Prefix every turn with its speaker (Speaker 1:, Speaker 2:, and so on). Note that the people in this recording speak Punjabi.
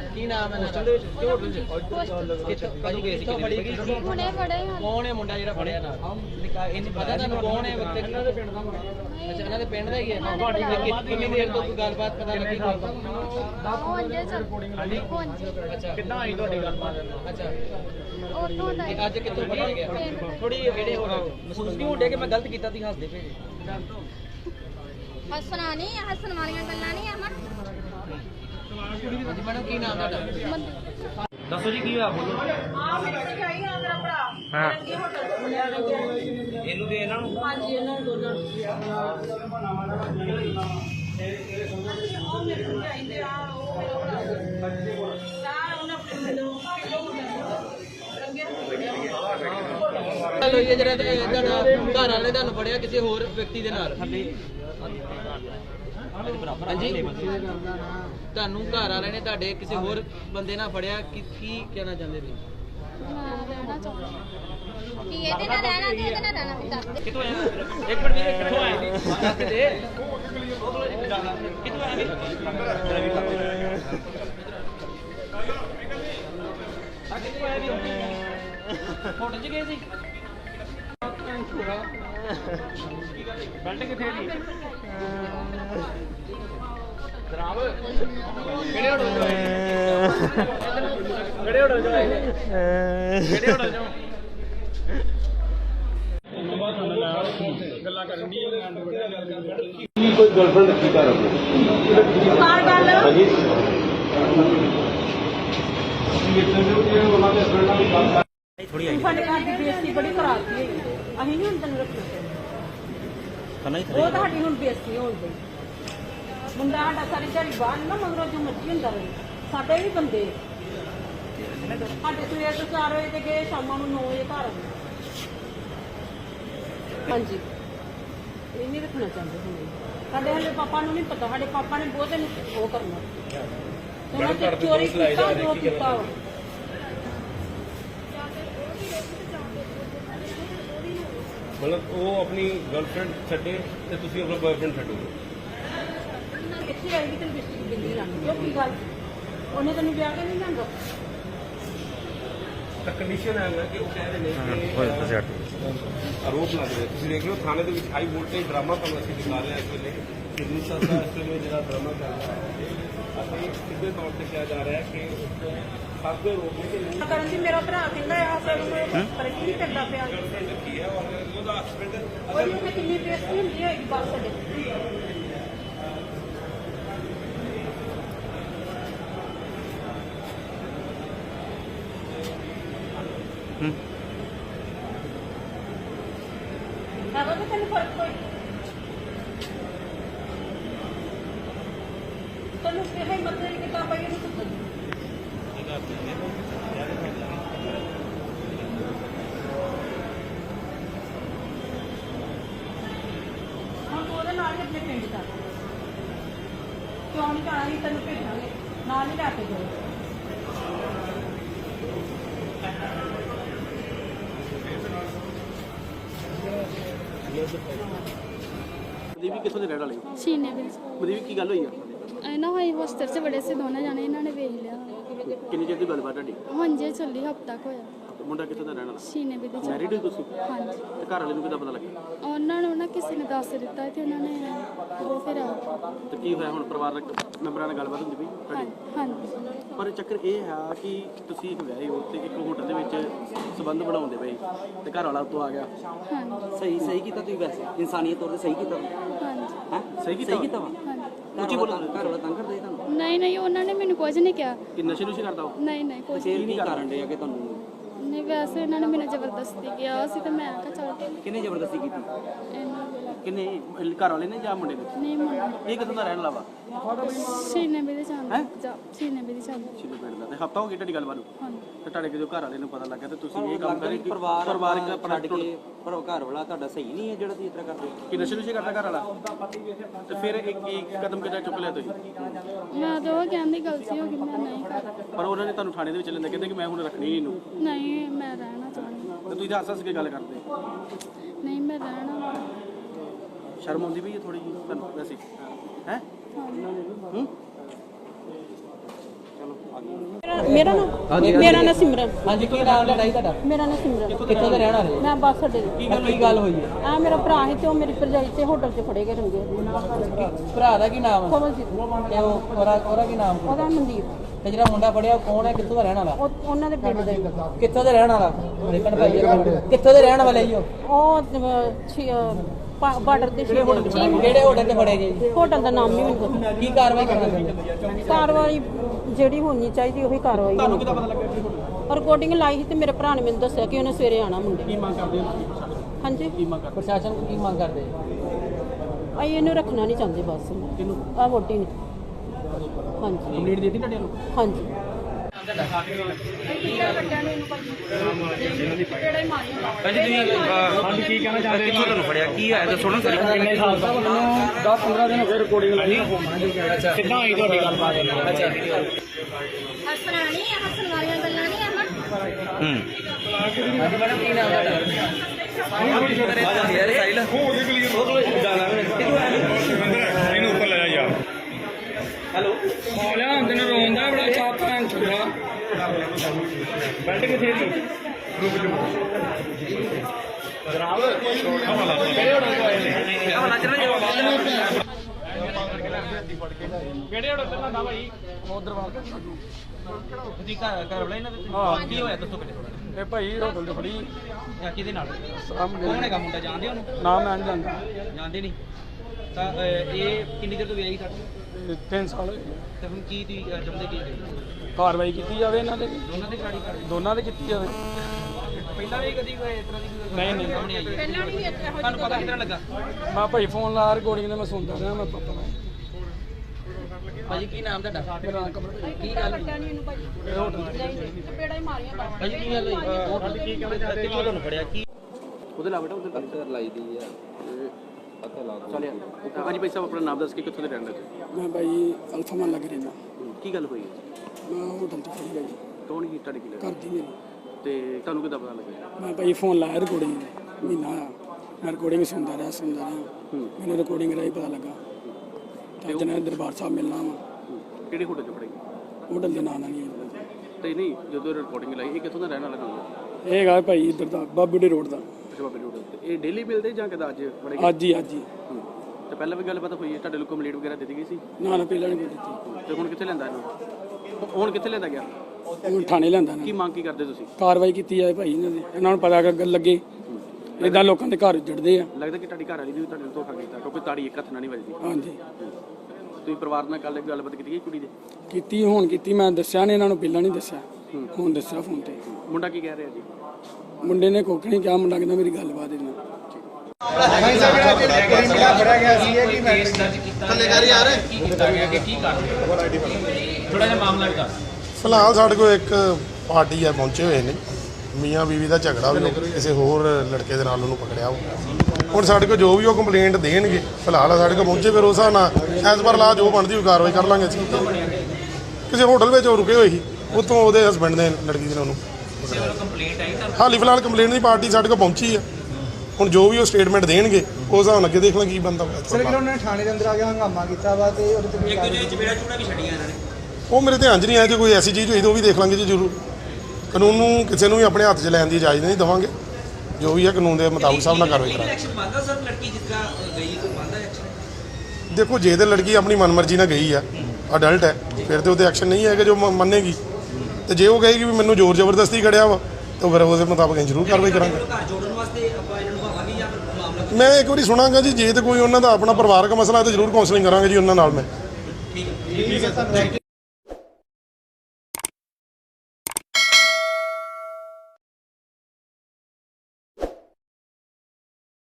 Speaker 1: ਕੀ ਨਾਮ ਹੈ ਹੋਸਟਲ ਦੇ ਵਿੱਚ ਕਿ ਹੋਟਲ 'ਚ ਕਦੋਂ ਗਏ ਸੀ ਬੜੀ
Speaker 2: ਹੁਣੇ ਫੜੇ
Speaker 1: ਕੌਣ ਹੈ ਮੁੰਡਾ ਜਿਹੜਾ ਫੜਿਆ ਨਾਲ ਇਹਨੂੰ ਪਤਾ ਤੁਹਾਨੂੰ ਕੌਣ ਹੈ ਵਿਅਕਤੀ ਇਹਨਾਂ ਦੇ ਪਿੰਡ ਦਾ ਅੱਛਾ ਇਹਨਾਂ ਦੇ ਪਿੰਡ ਦਾ ਹੀ ਹੈ ਕਿੰਨੀ ਦੇਰ ਤੋਂ ਕੋਈ ਗੱਲਬਾਤ ਪਤਾ ਲੱਗੀ
Speaker 2: ਹਾਂਜੀ ਸਰ ਹਾਂਜੀ
Speaker 1: ਅੱਛਾ ਕਿੱਦਾਂ ਆਈ ਤੁਹਾਡੀ ਗੱਲਬਾਤ ਅੱਛਾ
Speaker 2: ਉੱਥੋਂ ਦਾ
Speaker 1: ਅੱਜ ਕਿੱਥੋਂ ਪਤਾ ਲੱਗਿਆ ਥੋੜੀ ਕਿਹੜੇ ਹੋ ਰਹੇ ਮਹਿਸੂਸ ਨਹੀਂ ਹੁੰਦੇ ਕਿ ਮੈਂ ਗਲਤ ਕੀਤਾ ਤੁਸੀਂ ਹੱਸਦੇ ਪਏ
Speaker 2: ਹੱਸਣਾ ਨਹੀਂ ਹੱਸਣ ਵਾਲੀਆਂ ਗੱਲਾਂ ਨਹੀਂ ਅਮਨ
Speaker 1: ਹਾਂਜੀ ਮੈਡਮ ਕੀ ਨਾਮ ਤੁਹਾਡਾ ਦੱਸੋ ਜੀ ਕੀ ਹੋਇਆ ਬੋਲੋ ਹਾਂ ਇਹਨੂੰ ਤੇ ਇਹਨਾਂ ਨੂੰ
Speaker 2: ਹਾਂਜੀ ਇਹਨਾਂ ਨੂੰ ਦੋਨਾਂ ਨੂੰ
Speaker 1: ਜਿਹੜਾ ਘਰ ਵਾਲੇ ਤੁਹਾਨੂੰ ਫੜਿਆ ਕਿਸੇ ਹੋਰ ਵਿਅਕਤੀ ਦੇ ਨਾਲ ਹਾਂਜੀ ਤੁਹਾਨੂੰ ਘਰ ਵਾਲੇ ਨੇ ਤੁਹਾਡੇ ਕਿਸੇ ਹੋਰ ਬੰਦੇ ਨਾਲ ਫੜਿਆ ਕੀ ਕਹਿਣਾ ਚਾਹੁੰਦੇ ਸੀ
Speaker 2: ਮੈਂ ਰਹਿਣਾ ਚਾਹੁੰਦੀ ਕੀ ਇਹਦੇ ਨਾਲ ਰਹਿਣਾ ਤੇ ਇਹਦੇ ਨਾਲ ਰਹਿਣਾ ਦੱਸ ਦੇ
Speaker 1: ਕਿੱਥੋਂ ਆਇਆ ਇੱਕ ਮਿੰਟ ਵੀਰੇ ਕਿੱਥੋਂ ਆਇਆ ਦੱਸ ਦੇ ਕਿੱਥੋਂ ਆਇਆ ਵੀ ਹੋਟਲ 'ਚ ਗਏ ਸੀ ਬੈਲਟ ਕਿੱਥੇ ਦੀ ਜਨਾਬ ਕਿਹੜੇ ਹੋਟਲ 'ਚ ਆਏ ਕਿਹੜੇ ਹੋਟਲ 'ਚ ਆਏ ਕਿਹੜੇ ਹੋਟਲ 'ਚੋਂ ਗੱਲਾਂ ਕਰਨ ਦੀ
Speaker 3: ਕੋਈ ਗਰਲਫ੍ਰੈਂਡ ਰੱਖੀ ਘਰ ਆਪਣੇ
Speaker 4: ਬਾਹਰ ਗੱਲ
Speaker 3: ਹਾਂਜੀ
Speaker 1: ਥੋੜੀ
Speaker 4: ਸਾਡੇ ਘਰ ਦੀ ਬੇਇੱਜ਼ਤੀ ਬੜੀ ਕਰਾਤੀ ਹੈ ਅਸੀਂ ਨਹੀਂ ਹੁਣ ਤੈਨੂੰ ਰੱਖਣਾ ਉਹ ਤੁਹਾਡੀ ਹੁਣ ਬੇਇੱਜ਼ਤੀ ਹੋਣ ਗਈ ਮੁੰਡਾ ਸਾਡਾ ਸਾਰੀ ਦਿਹਾੜੀ ਬਾਹਰ ਨਾ ਮਗਰੋਂ ਜੋ ਮਰਜ਼ੀ ਹੁੰਦਾ ਰਹੇ ਸਾਡੇ ਵੀ ਬੰਦੇ ਸਾਡੇ ਸਵੇਰ ਤੋਂ 4 ਵਜੇ ਤੇ ਗਏ ਸ਼ਾਮਾਂ ਨੂੰ 9 ਵਜੇ ਘਰ ਆਉਂਦੇ ਹਾਂਜੀ ਇਹ ਨਹੀਂ ਰੱਖਣਾ ਚਾਹੁੰਦੇ ਹੁਣ ਸਾਡੇ ਹਲੇ ਪਾਪਾ ਨੂੰ ਨਹੀਂ ਪਤਾ ਸਾਡੇ ਪਾਪਾ ਨੇ ਬਹੁਤ ਇਹਨੂੰ ਉਹ ਕਰਨਾ ਉਹਨਾਂ ਤੇ ਚੋਰੀ ਕੀਤਾ ਜੋ ਕੀਤਾ ਵਾ
Speaker 3: ਮਤਲਬ ਉਹ ਆਪਣੀ ਗਰਲਫ੍ਰੈਂਡ ਛੱਡੇ ਤੇ ਤੁਸੀਂ ਆਪਣਾ ਬॉयਫ੍ਰੈਂਡ ਛੱਡੋਗੇ
Speaker 4: ਇੱਥੇ ਆਈ ਵੀ ਤੈਨੂੰ ਬਿਸਤਰੀ ਬਿੰਦੀ ਲਾਂਗੀ ਉਹ ਕੀ ਗੱਲ ਉਹਨੇ ਤੈਨੂੰ ਵਿਆਹ ਕੇ ਨਹੀਂ ਜਾਂਦਾ
Speaker 3: ਤਾਂ ਕੰਡੀਸ਼ਨ ਹੈ ਨਾ ਕਿ ਉਹ ਕਹਿ ਰਹੇ ਨੇ ਕਿ ਆਰੋਪ ਲੱਗ ਰਿਹਾ ਤੁਸੀਂ ਦੇਖ ਲਓ ਥਾਣੇ ਦੇ ਵਿੱਚ ਹਾਈ ਵੋਲਟੇਜ ਡਰਾਮਾ ਤੁਹਾਨੂੰ ਅਸੀਂ ਦਿਖਾ ਰਹੇ ਹਾਂ ਇਸ ਵੇਲੇ ਸਿੱਧੂ ਸਾਹਿਬ ਦਾ ਇਸ ਵੇਲੇ ਜਿਹੜਾ ਡਰਾਮਾ ਚੱਲ ਰਿਹਾ ਹੈ ਅਸੀਂ ਸਿੱਧੇ ਤੌਰ ਤੇ ਕਿਹਾ ਜਾ ਰਿਹਾ ਹੈ ਕਿ ਸਭ ਦੇ ਰੋਕ ਕੇ
Speaker 4: ਕਰਨ ਦੀ ਮੇਰਾ ਭਰਾ ਕਹਿੰਦਾ ਆ ਸਾਨੂੰ ਤਰੱਕੀ ਨਹੀਂ ਕਰਦਾ ਪਿਆ
Speaker 3: ਕੀ ਹੈ ਔਰ ਉਹਦਾ ਹਸਬੈਂਡ
Speaker 4: ਉਹਦੀ ਕਿੰਨੀ ਬੇਇੱਜ਼ਤੀ ਹੁੰਦੀ ਹੋਏਗੀ ਬਸ ਸਾਡੇ ਹੈਗਾ ਤਾਂ ਤੈਨੂੰ ਫਰਕ ਕੋਈ ਤੈਨੂੰ ਕਿਹੇ ਮਤਲਬ ਕਿਤਾਬ ਪੜ੍ਹੀ ਨਹੀਂ ਸਕਦੀ ਹੁਣ ਤੂੰ ਉਹਦੇ ਨਾਲ ਹੀ ਆਪਣੇ ਪਿੰਡ ਕਰ ਕਿਉਂ ਨਹੀਂ ਜਾਣਾ ਸੀ ਤੈਨੂੰ ਭੇਜਾਂਗੇ ਨਾਲ ਹੀ ਲੈ ਕੇ ਜਾਓ
Speaker 1: ਮਦੀਵੀ ਕਿੱਥੋਂ ਦੇ ਰਹਿਣ ਵਾਲੇ
Speaker 2: ਸੀਨੇ ਵਿੱਚ
Speaker 1: ਮਦੀਵੀ ਕੀ ਗੱਲ ਹੋਈ ਆ
Speaker 2: ਇਹਨਾਂ ਹੋਈ ਹੋਸਟਲ 'ਚ ਬੜੇ ਸੇ ਦੋਨੇ ਜਾਣੇ ਇਹਨਾਂ ਨੇ ਵੇਖ ਲਿਆ
Speaker 1: ਕਿੰਨੀ ਚਿਰ ਦੀ ਗੱਲਬਾਤ ਤੁਹਾਡੀ
Speaker 2: ਹਾਂਜੀ ਚੱਲੀ ਹਫਤਾ ਕੁ ਹੋਇਆ
Speaker 1: ਮੁੰਡਾ ਕਿੱਥੋਂ ਦਾ ਰਹਿਣ ਵਾਲਾ
Speaker 2: ਸੀਨੇ ਵਿੱਚ
Speaker 1: ਮੈਰਿਡ ਹੋ ਤੁਸੀਂ
Speaker 2: ਹਾਂਜੀ
Speaker 1: ਤੇ ਘਰ ਵਾਲੇ ਨੂੰ ਕਿੱਦਾਂ ਪਤਾ ਲੱਗਿਆ
Speaker 2: ਉਹਨਾਂ ਨੂੰ ਨਾ ਕਿਸੇ ਨੇ ਦੱਸ ਦਿੱਤਾ ਤੇ ਉਹਨਾਂ ਨੇ ਉਹ ਫਿਰ
Speaker 1: ਤੇ ਕੀ ਹੋਇਆ ਹੁਣ ਪਰਿਵਾਰਕ ਮੈਂਬਰਾਂ ਨਾਲ ਗੱਲਬਾਤ ਹੁੰਦੀ ਪਈ ਤੁਹਾਡੀ
Speaker 2: ਹਾਂਜੀ
Speaker 1: ਪਰ ਚੱਕਰ ਇਹ ਹੈ ਕਿ ਤੁਸੀਂ ਇੱਕ ਵਿਆਹੇ ਹੋ ਤੇ ਇੱਕ ਹੋਟਲ ਦੇ ਵਿੱਚ ਸਬੰਧ ਬਣਾਉਂਦੇ ਪਏ ਤੇ ਘਰ ਵਾਲਾ ਉੱਤੋਂ ਆ ਗਿਆ
Speaker 2: ਹਾਂਜੀ
Speaker 1: ਸਹੀ ਕੀਤਾ ਤੁਸੀਂ ਵੈਸੇ ਇਨਸਾਨੀਅਤ ਤੌਰ ਤੇ ਸਹੀ ਕੀਤਾ
Speaker 2: ਹਾਂਜੀ
Speaker 1: ਹੈ ਸਹੀ ਕੀਤਾ ਵਾ
Speaker 2: ਹਾਂਜੀ
Speaker 1: ਉੱਚੀ ਬੋਲੋ ਘਰ ਵਾਲਾ ਤੰਗ ਕਰਦੇ ਤੁਹਾਨੂੰ
Speaker 2: ਨਹੀਂ ਉਹਨਾਂ ਨੇ ਮੈਨੂੰ ਕੁਝ ਨਹੀਂ ਕਿਹਾ
Speaker 1: ਕਿ ਨਸ਼ੇ ਨੁਸ਼ੇ ਕਰਦਾ ਉਹ
Speaker 2: ਨਹੀਂ ਕੁਝ
Speaker 1: ਨਹੀਂ ਕਰਨ ਦੇ ਆ ਕਿ ਤੁਹਾਨੂੰ
Speaker 2: ਨਹੀਂ ਵੈਸੇ ਇਹਨਾਂ ਨੇ ਮੈਨੂੰ ਜ਼ਬਰਦਸਤੀ ਕਿਹਾ ਸੀ ਤੇ ਮੈਂ ਕਿਹਾ ਚੱਲ
Speaker 1: ਕਿਹਨੇ ਜ਼ਬਰਦਸਤੀ ਕੀਤੀ
Speaker 2: ਇਹਨਾਂ
Speaker 1: ਕਿੰਨੇ ਘਰ ਵਾਲੇ ਨੇ ਜਾਂ ਮੁੰਡੇ ਨੇ
Speaker 2: ਨਹੀਂ ਮੰਨਣਾ
Speaker 1: ਇਹ ਕਿੱਥੋਂ ਦਾ ਰਹਿਣ ਵਾਲਾ ਵਾ
Speaker 2: ਸੀਨੇ ਵੀ ਦੇ ਚੰਦ ਸੀਨੇ ਵੀ ਦੇ ਚੰਦ
Speaker 1: ਸ਼ਿਲੂ ਪਿੰਡ ਦਾ ਤੇ ਹਫਤਾ ਹੋ ਗਿਆ ਤੁਹਾਡੀ ਗੱਲਬਾਤ ਨੂੰ
Speaker 2: ਹਾਂਜੀ
Speaker 1: ਤੇ ਤੁਹਾਡੇ ਜਦੋਂ ਘਰ ਵਾਲੇ ਨੂੰ ਪਤਾ ਲੱਗਾ ਤੇ ਤੁਸੀਂ ਇਹ ਕੰਮ ਕਰੇ ਪਰਿਵਾਰਿਕ ਆਪਣਾ
Speaker 5: ਪਰ ਘਰ ਵਾਲਾ ਤੁਹਾਡਾ ਸਹੀ ਨਹੀਂ ਹੈ ਜਿਹੜਾ ਤੁਸੀਂ ਇਸ ਤਰ੍ਹਾਂ ਕਰਦੇ
Speaker 1: ਕਿ ਨਸ਼ੇ ਨੁਸ਼ੇ ਕਰਦਾ ਘਰ ਵਾਲਾ ਤੇ ਫਿਰ ਇੱਕ ਕਦਮ ਕਿੱਦਾਂ ਚੁੱਕ ਲਿਆ ਤੁਸੀਂ
Speaker 2: ਮੈਂ ਤਾਂ ਉਹ ਕਹਿੰਦੀ ਗਲਤੀ ਹੋ ਗਈ ਮੈਂ ਨਹੀਂ ਕਰ
Speaker 1: ਪਰ ਉਹਨਾਂ ਨੇ ਤੁਹਾਨੂੰ ਥਾਣੇ ਦੇ ਵਿੱਚ ਲੈਂਦੇ ਕਹਿੰਦੇ ਕਿ ਮੈਂ ਹੁਣ ਰੱਖਣੀ ਨਹੀਂ ਇਹਨੂੰ
Speaker 2: ਨਹੀਂ ਮੈਂ ਰਹਿਣਾ ਚਾਹੁੰਦੀ
Speaker 1: ਤੇ ਤੁਸੀਂ ਹੱਸ ਕੇ ਗੱਲ ਕਰਦੇ
Speaker 2: ਨਹੀਂ ਮੈਂ ਰਹਿਣਾ
Speaker 1: ਸ਼ਰਮ ਆਉਂਦੀ ਵੀ ਹੈ ਥੋੜੀ ਜਿਹੀ ਤੁਹਾਨੂੰ ਵੈਸੇ ਹੈ
Speaker 2: ਹਾਂਜੀ
Speaker 1: ਹੂੰ
Speaker 5: ਚਲੋ
Speaker 4: ਮੇਰਾ ਨਾਮ ਸਿਮਰਨ।
Speaker 1: ਹਾਂਜੀ ਕੀ ਨਾਮ ਲੜਾਈ ਤੁਹਾਡਾ?
Speaker 4: ਮੇਰਾ ਨਾਮ ਸਿਮਰਨ।
Speaker 1: ਕਿੱਥੋਂ ਦੇ ਰਹਿਣ ਵਾਲੇ?
Speaker 4: ਮੈਂ ਬੱਸ ਅੱਡੇ
Speaker 1: ਕੀ ਗੱਲ ਹੋਈ ਹੈ?
Speaker 4: ਆ ਮੇਰਾ ਭਰਾ ਹੈ ਤੇ ਉਹ ਮੇਰੀ ਭਰਜਾਈ ਤੇ ਹੋਟਲ 'ਚ ਫੜੇ ਗਏ ਰੰਗੇ।
Speaker 1: ਭਰਾ ਦਾ ਕੀ ਨਾਮ ਹੈ?
Speaker 4: ਕੋਮਲਜੀਤ।
Speaker 1: ਤੇ ਉਹਦਾ ਕੀ ਨਾਮ?
Speaker 4: ਉਹਦਾ ਮਨਦੀਪ।
Speaker 1: ਤੇ ਜਿਹੜਾ ਮੁੰਡਾ ਫੜਿਆ ਉਹ ਕੌਣ ਹੈ? ਕਿੱਥੋਂ ਦਾ ਰਹਿਣ ਵਾਲਾ?
Speaker 4: ਉਹਨਾਂ ਦੇ ਪਿੰਡ ਦਾ ਹੀ।
Speaker 1: ਕਿੱਥੋਂ ਦੇ ਰਹਿਣ ਵਾਲਾ? ਕਿੱਥੋਂ ਦੇ ਰਹਿਣ ਵਾਲੇ ਜੀ
Speaker 4: ਉਹ ਬਾਰਡਰ ਦੇ
Speaker 1: ਕਿਹੜੇ ਹੋਟਲ ਤੇ ਫੜੇ ਗਏ ਜੀ?
Speaker 4: ਹੋਟਲ ਦਾ ਨਾਮ ਨਹੀਂ ਮੈਨੂੰ ਪਤਾ।
Speaker 1: ਕੀ ਕਾਰਵਾਈ ਕਰਨਾ ਚਾਹੁੰਦੇ?
Speaker 4: ਕਾਰਵਾਈ ਜਿਹੜੀ ਹੋਣੀ ਚਾਹੀਦੀ ਉਹੀ ਕਾਰਵਾਈ। ਤੁਹਾਨੂੰ ਕਿੱਦਾਂ ਪਤਾ ਲੱਗਿਆ? ਰਿਕਾਰਡਿੰਗ ਲਾਈ ਸੀ ਤੇ ਮੇਰੇ ਭਰਾ ਨੇ ਮੈਨੂੰ ਦੱਸਿਆ ਕਿ ਉਹਨੇ ਸਵੇਰੇ ਆਣਾ ਮੁੰਡੇ।
Speaker 1: ਕੀ ਮੰਗ ਕਰਦੇ ਹੋ?
Speaker 4: ਹਾਂਜੀ
Speaker 1: ਪ੍ਰਸ਼ਾਸਨ ਕੀ ਮੰਗ ਕਰਦੇ?
Speaker 4: ਅਸੀਂ ਇਹਨੂੰ ਰੱਖਣਾ ਨਹੀਂ ਚਾਹੁੰਦੇ ਬਸ।
Speaker 1: ਕਿਹਨੂੰ?
Speaker 4: ਆ ਵੋਟੀ ਨੇ। ਹਾਂਜੀ
Speaker 1: ਕੰਪਲੀਟ ਦੇ ਦਿੱਤੀ ਤੁਹਾਡੇ ਨੂੰ?
Speaker 4: ਹਾਂਜੀ
Speaker 3: ਹਾਂਜੀ ਕੀ ਕਹਿਣਾ ਚਾਹੁੰਦੇ ਹੋ? ਤੁਹਾਨੂੰ ਫੜਿਆ ਕੀ ਹੈ ਦੱਸੋ ਨਾ ਸਰ।
Speaker 6: ਕਿੰਨੇ ਸਾਲ ਦਾ? 10-15 ਦਿਨ ਹੋ ਗਏ ਰਿਕਾਰਡਿੰਗ ਲਾਈ। ਕਿੱਦਾਂ ਹੋਈ ਤੁਹਾਡੀ ਗੱਲਬਾਤ?
Speaker 2: ਹੱਸਣਾ ਨਹੀਂ, ਹੱਸਣ ਵਾਲੀਆਂ ਗੱਲਾਂ ਨਹੀਂ ਆਹ।
Speaker 1: ਹਾਂਜੀ ਮੈਡਮ ਕੀ ਨਾਮ ਹੈ
Speaker 6: ਇਹਨੂੰ ਉੱਪਰ ਲੈ ਜਾ ਯਾਰ।
Speaker 1: ਹੈਲੋ
Speaker 6: ਲਿਆ ਹੁੰਦੇ ਨੇ ਰੋਂਦਾ ਬੜਾ ਚਾਪ ਭੈਣ ਛੁੱਟਾ।
Speaker 1: ਬੈਲਟ ਕਿੱਥੇ ਦੀ? ਜਨਾਬ ਹਮਲਾ ਕਿਹੜੇ ਹੋਟਲ ਤੋਂ ਆਏ ਨੇ? ਹਮਲਾ ਚੱਲਣਾ ਕਿਹੜੇ ਹੋਟਲ ਤੋਂ ਨਾ ਭਾਈ? ਉਧਰ ਵਾਲ ਤੁਸੀਂ ਘਰ ਵਾਲਾ ਇਹਨਾਂ ਦੇ? ਹਾਂ ਕੀ ਹੋਇਆ ਦੱਸੋ ਪਹਿਲੇ।
Speaker 6: ਇਹ ਭਾਈ ਹੋਟਲ ਤੇ ਫੜੀ
Speaker 1: ਕਿਹਦੇ ਨਾਲ?
Speaker 6: ਸਾਹਮਣੇ।
Speaker 1: ਕੌਣ ਹੈਗਾ ਮੁੰਡਾ? ਜਾਣਦੇ ਉਹਨੂੰ?
Speaker 6: ਨਾ ਮੈਂ ਨਹੀਂ ਜਾਣਦਾ।
Speaker 1: ਜਾਣਦੇ ਨਹੀਂ ਤਾਂ ਇਹ ਕਿੰਨੀ ਦੇਰ ਤੋਂ ਵਿਆਹੀ ਤੁਹਾਡੇ?
Speaker 6: 3 ਸਾਲ ਹੋਏ।
Speaker 1: ਤੇ ਹੁਣ ਕੀ ਤੁਸੀਂ ਚਾਹੁੰਦੇ ਕੀ?
Speaker 6: ਕਾਰਵਾਈ ਕੀਤੀ ਜਾਵੇ ਇਹਨਾਂ ਦੇ।
Speaker 1: ਦੋਨਾਂ ਦੀ ਗਾੜੀ ਕਰ?
Speaker 6: ਦੋਨਾਂ ਦੇ ਕੀਤੀ ਜਾਵੇ।
Speaker 1: ਪਹਿਲਾਂ ਵੀ ਕਦੀ ਕੋਈ ਇਸ ਤਰ੍ਹਾਂ ਦੀ
Speaker 6: ਨਹੀਂ, ਨਹੀਂ।
Speaker 1: ਸਾਹਮਣੇ ਆਈ ਹੈ? ਤੁਹਾਨੂੰ ਪਤਾ ਕਿੱਦਾਂ ਲੱਗਾ?
Speaker 6: ਮੈਂ ਭਾਈ ਫੋਨ ਲਾ ਰਿਕਾਰਡਿੰਗ ਤੇ ਮੈਂ ਸੁਣਦਾ ਰਿਹਾ। ਮੈਂ ਪਾਪਾ ਨਾਲ
Speaker 1: ਭਾਜੀ ਕੀ ਨਾਮ ਤੁਹਾਡਾ?
Speaker 6: ਮੇਰਾ ਨਾਮ ਕਮਲ ਭਾਈ।
Speaker 1: ਕੀ ਗੱਲ?
Speaker 6: ਇਹ ਹੋਟਲ ਤੇ
Speaker 4: ਚਪੇੜਾ ਹੀ ਮਾਰੀਆਂ ਬਸ।
Speaker 1: ਭਾਜੀ ਕੀ ਗੱਲ ਹੋਈ? ਉਹ ਕੀ ਕਹਿਣਾ ਚਾਹते? ਕਿੱਥੋਂ ਤੁਹਾਨੂੰ ਫੜਿਆ? ਕੀ
Speaker 5: ਉਹਦੇ ਲਾ ਬੇਟਾ ਉਹਦੇ ਅੰਦਰ ਲਾਈ ਦੀ ਆ ਪਤਾ ਲਾ
Speaker 1: ਚੱਲਿਆ? ਹਾਂਜੀ ਭਾਈ ਸਾਹਿਬ ਆਪਣਾ ਨਾਮ ਦੱਸ ਕੇ ਕਿੱਥੋਂ ਦੇ ਰਹਿਣ ਵਾਲੇ?
Speaker 6: ਮੈਂ ਭਾਈ ਅਲਫਾਮਾਨ ਲੱਗ ਰਿਹਾ।
Speaker 1: ਕੀ ਗੱਲ ਹੋਈ ਹੈ?
Speaker 6: ਮੈਂ ਹੋਟਲ ਤੇ ਫੜੀ ਗਈ।
Speaker 1: ਕੌਣ ਕੀ ਤੁਹਾਡੇ ਕੋਲ?
Speaker 6: ਕਰਦੀ ਮੇਰੀ।
Speaker 1: ਤੇ ਤੁਹਾਨੂੰ ਕਿੱਦਾਂ ਪਤਾ ਲੱਗਿਆ?
Speaker 6: ਮੈਂ ਭਾਈ ਫੋਨ ਲਾਇਆ ਰਿਕਾਰਡਿੰਗ ਮਹੀਨਾ ਹੋਇਆ। ਮੈਂ ਰਿਕਾਰਡਿੰਗ ਸੁਣਦਾ ਰਿਹਾ ਮੈਨੂੰ ਰਿਕਾਰਡਿੰਗ ਰਾਹੀਂ ਪਤਾ ਲੱਗਾ ਤੇ ਅੱਜ ਮੈਂ ਦਰਬਾਰ ਸਾਹਿਬ ਮਿਲਣਾ ਵਾ।
Speaker 1: ਕਿਹੜੇ ਹੋਟਲ 'ਚ ਫੜੇ?
Speaker 6: ਹੋਟਲ ਦੇ ਨਾਂ ਨਹੀਂ ਹੈ।
Speaker 1: ਤੇ ਨਹੀਂ ਜਦੋਂ ਰਿਕਾਰਡਿੰਗ ਲਾਈ ਇਹ ਕਿੱਥੋਂ ਦਾ ਰਹਿਣ ਵਾਲਾ ਕੰਮ?
Speaker 6: ਇਹ ਹੈਗਾ ਭਾਈ ਇੱਧਰ ਦਾ ਬਾਬੂਡੇ ਰੋਡ ਦਾ।
Speaker 1: ਅੱਛਾ ਬਾਬੇ ਰੋਡ ਤੇ ਇਹ ਡੇਲੀ ਮਿਲਦੇ ਜਾਂ ਕਿਦਾਂ ਅੱਜ ਫੜੇ?
Speaker 6: ਅੱਜ ਹੀ
Speaker 1: ਤੇ ਪਹਿਲਾਂ ਵੀ ਗੱਲਬਾਤ ਹੋਈ ਹੈ ਤੁਹਾਡੇ ਲੋਕ ਕੰਪਲੀਟ ਵਗੈਰਾ ਦਿੱਤੀ ਗਈ ਸੀ?
Speaker 6: ਨਾ ਪਹਿਲਾਂ ਨਹੀਂ ਕੋਈ ਦਿੱਤੀ।
Speaker 1: ਤੇ ਹੁਣ ਕਿੱਥੇ ਲੈਂਦਾ ਇਹਨੂੰ? ਹੁਣ ਕਿੱਥੇ ਲੈਂਦਾ ਗਿਆ?
Speaker 6: ਹੁਣ ਥਾਣੇ ਲੈਂਦਾ ਨਾ।
Speaker 1: ਕੀ ਮੰਗ ਕੀ ਕਰਦੇ ਤੁਸੀਂ?
Speaker 6: ਕਾਰਵਾਈ ਕੀਤੀ ਜਾਏ ਭਾਈ ਇਹਨਾਂ ਨੂੰ ਪਤਾ ਲੱਗੇ। ਇਦਾਂ ਲੋਕਾਂ ਦੇ ਘਰ ਜੜਦੇ ਆ।
Speaker 1: ਲੱਗਦਾ ਕਿ ਤੁਹਾਡੀ ਘਰ ਵਾਲੀ ਨੇ ਵੀ ਤੁਹਾਡੇ ਨਾਲ ਧੋਖਾ ਕੀਤਾ ਕਿਉਂਕਿ ਤਾੜੀ ਇੱਕ ਹੱਥ ਨਾਲ ਨਹੀਂ ਵੱਜਦੀ।
Speaker 6: ਹਾਂਜੀ
Speaker 1: ਤੁਸੀਂ ਪਰਿਵਾਰ ਨਾਲ ਕੱਲ ਗੱਲਬਾਤ ਕੀਤੀ ਕੁੜੀ ਦੇ?
Speaker 6: ਕੀਤੀ ਹੁਣ ਕੀਤੀ। ਮੈਂ ਦੱਸਿਆ ਨਹੀਂ ਇਹਨਾਂ ਨੂੰ, ਪਹਿਲਾਂ ਨਹੀਂ ਦੱਸਿਆ, ਹੁਣ ਦੱਸਿਆ ਫੋਨ ਤੇ।
Speaker 1: ਮੁੰਡਾ ਕੀ ਕਹਿ ਰਿਹਾ ਜੀ?
Speaker 6: ਮੁੰਡੇ ਨੇ ਕੁੱਖ ਨਹੀਂ ਕਿਹਾ। ਮੁੰਡਾ ਕਹਿੰਦਾ ਮੇਰੀ ਗੱਲਬਾਤ ਇਹਨਾਂ
Speaker 7: ਫਿਲਹਾਲ ਸਾਡੇ ਕੋਲ ਇੱਕ ਪਾਰਟੀ ਹੈ ਪਹੁੰਚੇ ਹੋਏ ਨੇ। ਮੀਆਂ ਬੀਵੀ ਦਾ ਝਗੜਾ ਵੀ ਕਿਸੇ ਹੋਰ ਲੜਕੇ ਦੇ ਨਾਲ ਉਹਨੂੰ ਪਕੜਿਆ ਹੁਣ ਸਾਡੇ ਕੋਲ ਜੋ ਵੀ ਉਹ ਕੰਪਲੇਂਟ ਦੇਣਗੇ ਫਿਲਹਾਲ ਸਾਡੇ ਕੋਲ ਪਹੁੰਚੇ ਫਿਰ ਉਸ ਹਿਸਾਬ ਨਾਲ ਐਸ ਪਰ ਲਾ ਜੋ ਬਣਦੀ ਉਹ ਕਾਰਵਾਈ ਕਰ ਲਾਂਗੇ ਅਸੀਂ। ਕਿਸੇ ਹੋਟਲ ਵਿੱਚ ਉਹ ਰੁਕੇ ਹੋਏ ਸੀ ਉੱਥੋਂ ਉਹਦੇ ਹਸਬੈਂਡ ਨੇ ਲੜਕੀ ਦੇ ਉਹਨੂੰ ਹਾਲੀ ਫਿਲਹਾਲ ਕੰਪਲੇਂਟ ਦੀ ਪਾਰਟੀ ਸਾਡੇ ਕੋਲ ਪਹੁੰਚੀ ਹੈ। ਹੁਣ ਜੋ ਵੀ ਉਹ ਸਟੇਟਮੈਂਟ ਦੇਣਗੇ ਉਸ ਹਿਸਾਬ ਨਾਲ ਅੱਗੇ ਦੇਖ ਲਾਂ ਕੀ ਬੰਦਾ।
Speaker 8: ਸਰ ਉਹਨਾਂ ਨੇ ਥਾਣੇ ਦੇ ਅੰਦਰ ਆ ਕੇ ਹੰਗਾਮਾ ਕੀਤਾ ਵਾ ਤੇ ਉਹਦੇ ਤੇ
Speaker 1: ਇੱਕ ਦੂਜੇ ਚਪੇੜਾ ਚੂੜਾ ਵੀ ਛੱਡੀਆਂ ਇਹਨਾਂ ਨੇ।
Speaker 7: ਉਹ ਮੇਰੇ ਧਿਆਨ 'ਚ ਨਹੀਂ ਆਇਆ। ਜੇ ਕੋਈ ਐਸੀ ਚੀਜ਼ ਹੋਈ ਤਾਂ ਉਹ ਵੀ ਦੇਖ ਲਾਂਗੇ ਜੀ ਜ਼ਰੂਰ। ਕਾਨੂੰਨ ਨੂੰ ਕਿਸੇ ਨੂੰ ਵੀ ਆਪਣੇ ਹੱਥ 'ਚ ਲੈਣ ਦੀ ਇਜਾਜ਼ਤ ਨਹੀਂ ਦੇਵਾਂਗੇ। ਜੋ ਵੀ ਹੈ ਕਾਨੂੰਨ ਦੇ ਮੁਤਾਬਕ ਸਭ ਨਾਲ ਕਾਰਵਾਈ ਕਰਾਂਗੇ।
Speaker 1: ਐਕਸ਼ਨ ਮੰਨਦਾ ਸਰ ਲੜਕੀ ਜਿੱਦਾਂ ਗਈ ਕੋਈ ਮੰਨਦਾ ਐਕਸ਼ਨ?
Speaker 7: ਦੇਖੋ ਜੇ ਤੇ ਲੜਕੀ ਆਪਣੀ ਮਨਮਰਜ਼ੀ ਨਾਲ ਗਈ ਆ, ਅਡਲਟ ਹੈ, ਫਿਰ ਤੇ ਉਹਤੇ ਐਕਸ਼ਨ ਨਹੀਂ ਹੈ ਕਿ ਜੋ ਮੰਨੇਗੀ। ਤੇ ਜੇ ਉਹ ਕਹੇਗੀ ਵੀ ਮੈਨੂੰ ਜ਼ੋਰ ਜ਼ਬਰਦਸਤੀ ਕਰਿਆ ਵਾ ਤਾਂ ਫਿਰ ਉਹਦੇ ਮੁਤਾਬਕ ਅਸੀਂ ਜ਼ਰੂਰ ਕਾਰਵਾਈ ਕਰਾਂਗੇ।
Speaker 1: ਘਰ ਜੋੜਨ ਵਾਸਤੇ ਆਪਾਂ ਇਹਨਾਂ ਨੂੰ ਭਾਵਾਂਗੇ ਜਾਂ ਮਾਮਲਾ?
Speaker 7: ਮੈਂ ਇੱਕ ਵਾਰੀ ਸੁਣਾਂਗਾ ਜੀ। ਜੇ ਤੇ ਕੋਈ ਉਹਨਾਂ ਦਾ ਆਪਣਾ ਪਰਿਵਾਰਕ ਮਸਲਾ ਹੈ ਤਾਂ ਜ਼ਰੂਰ ਕਾਉਂਸਲਿੰਗ ਕਰਾਂਗੇ ਜੀ ਉਹਨਾਂ ਨਾਲ ਮੈਂ।
Speaker 1: ਠੀਕ ਹੈ।